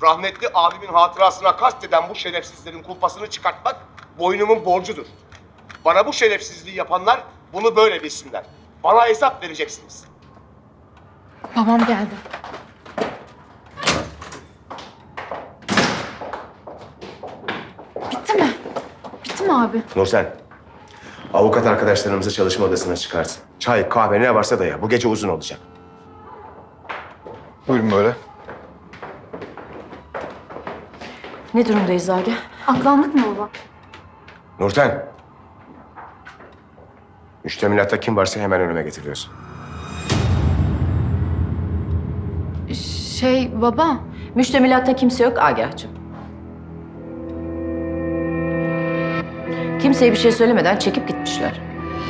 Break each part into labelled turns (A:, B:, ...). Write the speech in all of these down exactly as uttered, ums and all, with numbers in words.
A: Rahmetli abimin hatırasına kasteden bu şerefsizlerin kulpasını çıkartmak boynumun borcudur. Bana bu şerefsizliği yapanlar bunu böyle bilsinler. Bana hesap vereceksiniz.
B: Babam geldi. Bitti mi? Bitti mi abi?
A: Nursen, avukat arkadaşlarımızı çalışma odasına çıkarsın. Çay, kahve ne varsa da ya. Bu gece uzun olacak.
C: Buyurun böyle.
D: Ne durumdayız Agah?
B: Aklandık mı baba?
A: Nurten. Müştemilatta kim varsa hemen önüme getiriyorsun.
B: Şey baba.
D: Müştemilatta kimse yok Agah'cığım. Kimseye bir şey söylemeden çekip gitmişler.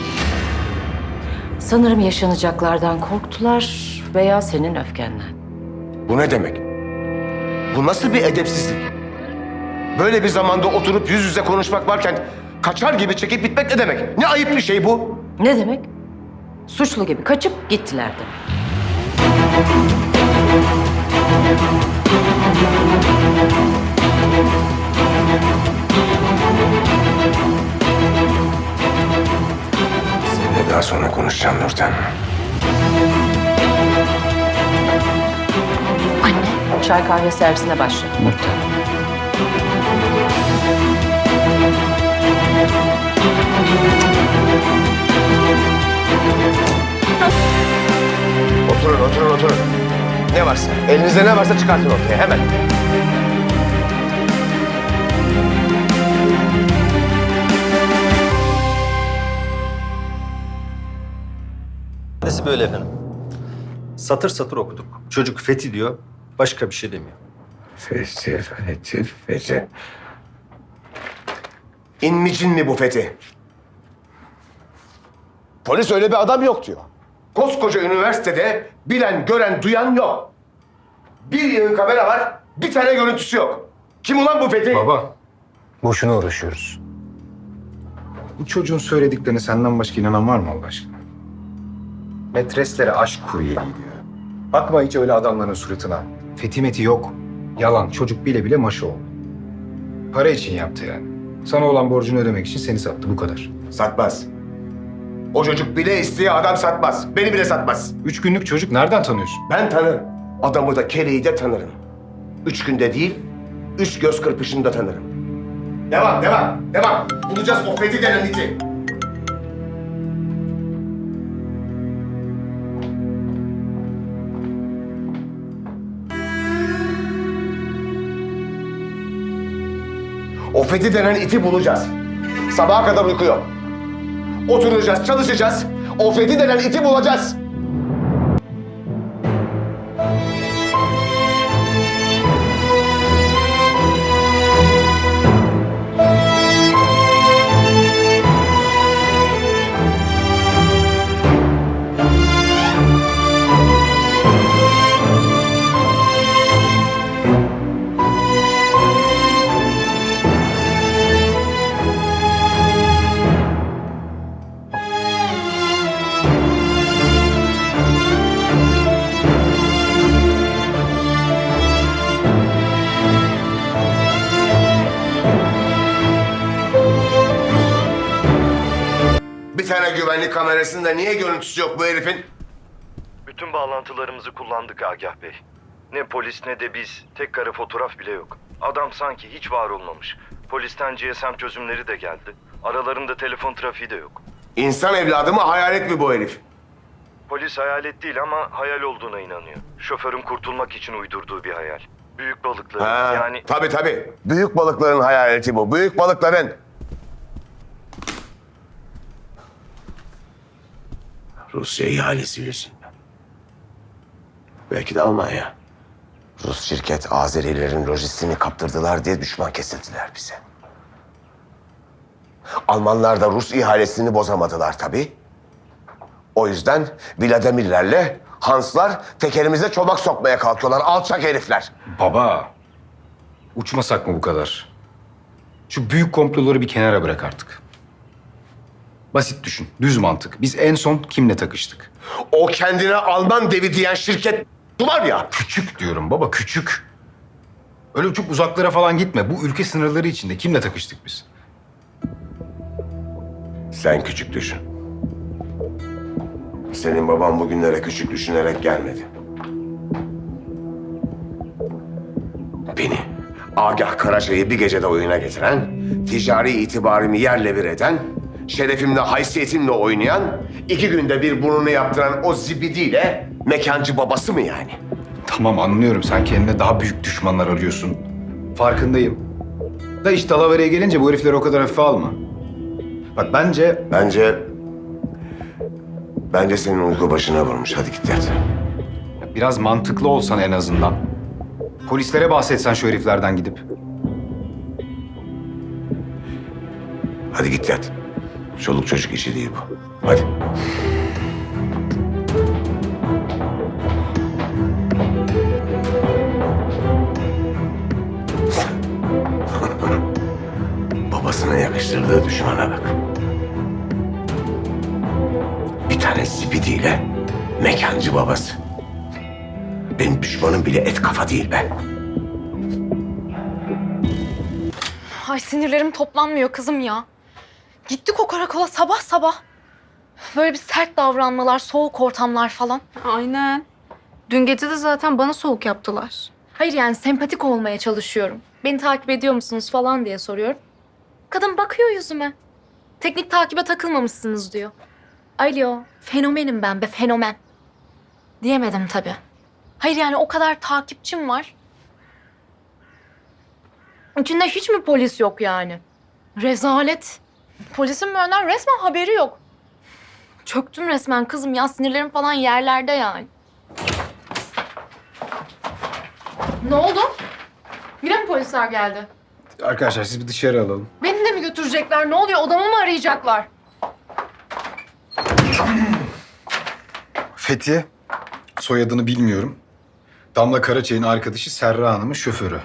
D: Sanırım yaşanacaklardan korktular veya senin öfkenden.
A: Bu ne demek? Bu nasıl bir edepsizlik? Böyle bir zamanda oturup yüz yüze konuşmak varken kaçar gibi çekip gitmek ne demek? Ne ayıp bir şey bu?
D: Ne demek? Suçlu gibi kaçıp gittiler demek.
A: Seninle daha sonra konuşacağım Nurten.
D: Anne. Çay kahve servisine başla. Nurten.
A: Oturun, oturun, oturun. Ne varsa, elinizde ne varsa çıkartın ortaya hemen.
E: Nesi böyle efendim? Satır satır okuduk. Çocuk Fethi diyor, başka bir şey demiyor.
A: Fethi, Fethi, Fethi. İnmicin mi bu Fethi? Polis öyle bir adam yok diyor. Koskoca üniversitede bilen, gören, duyan yok. Bir yığın kamera var, bir tane görüntüsü yok. Kim ulan bu Fethi?
C: Baba, boşuna uğraşıyoruz. Bu çocuğun söylediklerini senden başka inanan var mı Allah aşkına? Metreslere aşk kuryeliği diyor. Bakma hiç öyle adamların suratına. Fethi meti yok. Yalan. Çocuk bile bile maşı oldu. Para için yaptı yani. Sana olan borcunu ödemek için seni sattı bu kadar.
A: Satmaz. O çocuk bile isteye adam satmaz. Beni bile satmaz.
C: Üç günlük çocuk nereden tanıyorsun?
A: Ben tanırım. Adamı da keleği de tanırım. Üç günde değil, üç göz kırpışında tanırım. Devam, devam, devam. Bulacağız o Fethi denen iti. O Fethi denen iti bulacağız. Sabaha kadar uyku yok. Oturacağız, çalışacağız. O Fethi denen iti bulacağız. Bir tane güvenlik kamerasında niye görüntüsü yok bu herifin?
F: Bütün bağlantılarımızı kullandık Agah Bey. Ne polis ne de biz. Tek kare fotoğraf bile yok. Adam sanki hiç var olmamış. Polisten G S M çözümleri de geldi. Aralarında telefon trafiği de yok.
A: İnsan evladı mı, hayalet mi bu herif?
F: Polis hayalet değil ama hayal olduğuna inanıyor. Şoförün kurtulmak için uydurduğu bir hayal. Büyük balıkları
A: Ha,
F: yani...
A: tabii tabii. Büyük balıkların hayaleti bu. Büyük balıkların. Rusya ihalesi yüzünden. Belki de Almanya. Rus şirket Azerilerin lojistiğini kaptırdılar diye düşman kesildiler bize. Almanlar da Rus ihalesini bozamadılar tabii. O yüzden Vladimirlerle Hanslar tekerimize çomak sokmaya kalkıyorlar. Alçak herifler.
C: Baba, uçmasak mı bu kadar? Şu büyük komploları bir kenara bırak artık. Basit düşün, düz mantık. Biz en son kimle takıştık?
A: O kendine Alman devi diyen şirket var ya.
C: Küçük diyorum baba, küçük. Öyle çok uzaklara falan gitme. Bu ülke sınırları içinde. Kimle takıştık biz?
A: Sen küçük düşün. Senin baban bugünlere küçük düşünerek gelmedi. Beni, Agah Karaca'yı bir gecede oyuna getiren, ticari itibarımı yerle bir eden, şerefimle, haysiyetimle oynayan, iki günde bir burnunu yaptıran o zibidiyle mekancı babası mı yani?
C: Tamam anlıyorum. Sen kendine daha büyük düşmanlar arıyorsun. Farkındayım. Da iş dalavereye gelince bu herifleri o kadar hafife alma. Bak bence
A: Bence... Bence senin uyku başına vurmuş. Hadi git yat.
C: biraz mantıklı olsan en azından. Polislere bahsetsen şu heriflerden gidip.
A: Hadi git yat. Çoluk çocuk işi değil bu. Hadi. Babasına yakıştırdığı düşmana bak. Bir tane zibidiyle mekancı babası. Benim düşmanım bile et kafa değil be.
B: Ay sinirlerim toplanmıyor kızım ya. Gittik o karakola sabah sabah. Böyle bir sert davranmalar, soğuk ortamlar falan.
G: Aynen. Dün gece de zaten bana soğuk yaptılar.
B: Hayır yani sempatik olmaya çalışıyorum. Beni takip ediyor musunuz falan diye soruyorum. Kadın bakıyor yüzüme. Teknik takibe takılmamışsınız diyor. Alo, fenomenim ben be, fenomen. Diyemedim tabii. Hayır yani o kadar takipçim var. İçinde hiç mi polis yok yani? Rezalet. Polisin benden resmen haberi yok. Çöktüm resmen kızım ya, sinirlerim falan yerlerde yani. Ne oldu? Yine mi polisler geldi?
C: Arkadaşlar siz bir dışarı alalım.
B: Beni de mi götürecekler? Ne oluyor? Odamı mı arayacaklar?
C: Fethi, soyadını bilmiyorum. Damla Karaçay'ın arkadaşı Serra Hanım'ın şoförü.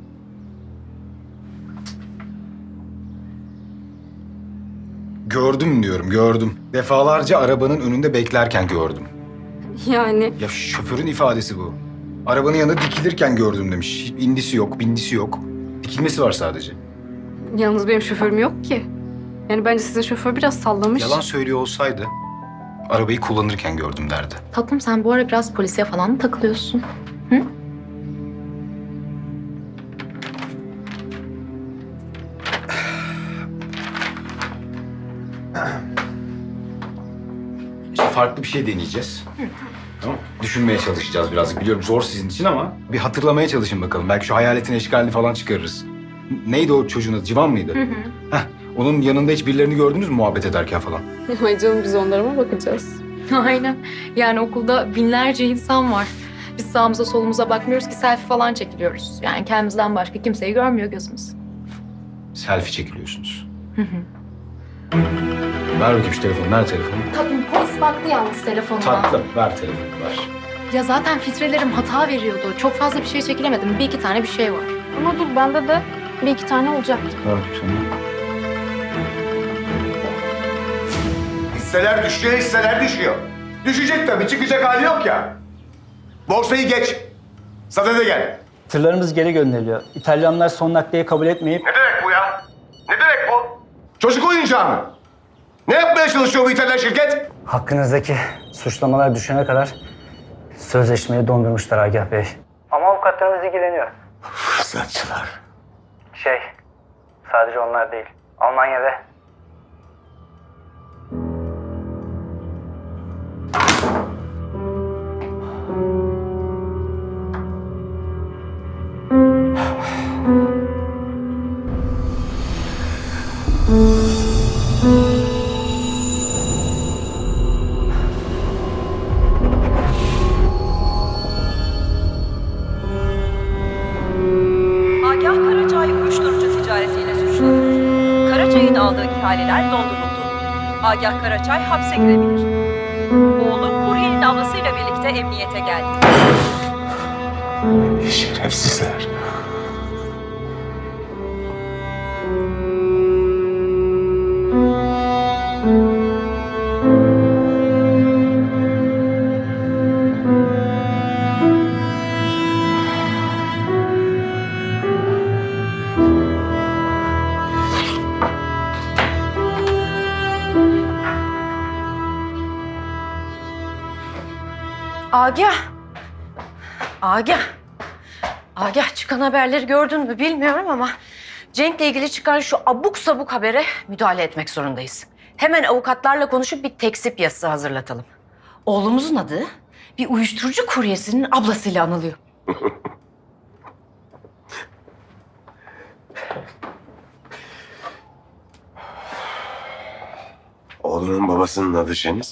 C: Gördüm diyorum, gördüm. Defalarca arabanın önünde beklerken gördüm.
G: Yani
C: Ya şoförün ifadesi bu. Arabanın yanında dikilirken gördüm demiş. Hiç indisi yok, bindisi yok. Dikilmesi var sadece.
G: yalnız benim şoförüm yok ki. Yani bence sizin şoför biraz sallamış.
C: Yalan söylüyor olsaydı arabayı kullanırken gördüm derdi.
B: Tatlım sen bu ara biraz polisiye falan mı takılıyorsun? Hı?
C: İşte farklı bir şey deneyeceğiz. Tamam. Düşünmeye çalışacağız biraz. Biliyorum zor sizin için ama bir hatırlamaya çalışın bakalım. Belki şu hayaletin eşkalini falan çıkarırız. Neydi o çocuğun adı? Civan mıydı? Hı hı. Heh, onun yanında hiç birilerini gördünüz mü muhabbet ederken falan?
G: Ay canım biz onlara mı bakacağız?
B: Aynen. Yani okulda binlerce insan var. Biz sağımıza solumuza bakmıyoruz ki selfie falan çekiliyoruz. Yani kendimizden başka kimseyi görmüyor gözümüz.
C: Selfie çekiliyorsunuz. Hı hı. Ver bakayım şu telefonu. Nerede telefonu?
B: Tatlım polis baktı yalnız telefonuma.
C: Tatlı. Ver telefonu. Ver.
B: Ya zaten filtrelerim hata veriyordu. Çok fazla bir şey çekilemedim. Bir iki tane bir şey var.
G: Ama dur bende de bir iki tane olacaktı.
C: Ver bakayım sana.
A: Hisseler düşüyor, hisseler düşüyor. Düşecek tabii, çıkacak hali yok ya. Borsayı geç. Sadede gel.
H: Tırlarımız geri gönderiliyor. İtalyanlar son nakliye kabul etmeyip
A: Ne demek bu ya? Ne demek bu? Çocuk oyuncağı mı? Ne yapmaya çalışıyor bu İtalyan şirket?
H: hakkınızdaki suçlamalar düşene kadar sözleşmeyi dondurmuşlar Agah Bey. Ama avukatlarımız ilgileniyor.
A: Fırsatçılar.
H: Şey, sadece onlar değil. Almanya'da
I: Agah Karacay uyuşturucu ticaretiyle suçlanıyor. Karacay'ın aldığı ihaleler donduruldu. Agah Karacay hapse girebilir. Oğlu kuryenin ablasıyla birlikte emniyete geldi.
A: Şerefsizler.
D: Agah. Agah. Agah, çıkan haberleri gördün mü bilmiyorum ama Cenk'le ilgili çıkan şu abuk sabuk habere müdahale etmek zorundayız. Hemen avukatlarla konuşup bir tekzip yazısı hazırlatalım. Oğlumuzun adı bir uyuşturucu kuryesinin ablasıyla anılıyor.
A: Oğlunun babasının adı Şeniz.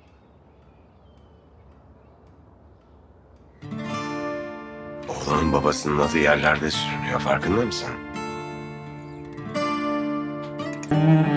A: Oğlunun babasının adı yerlerde sürünüyor, farkında mısın?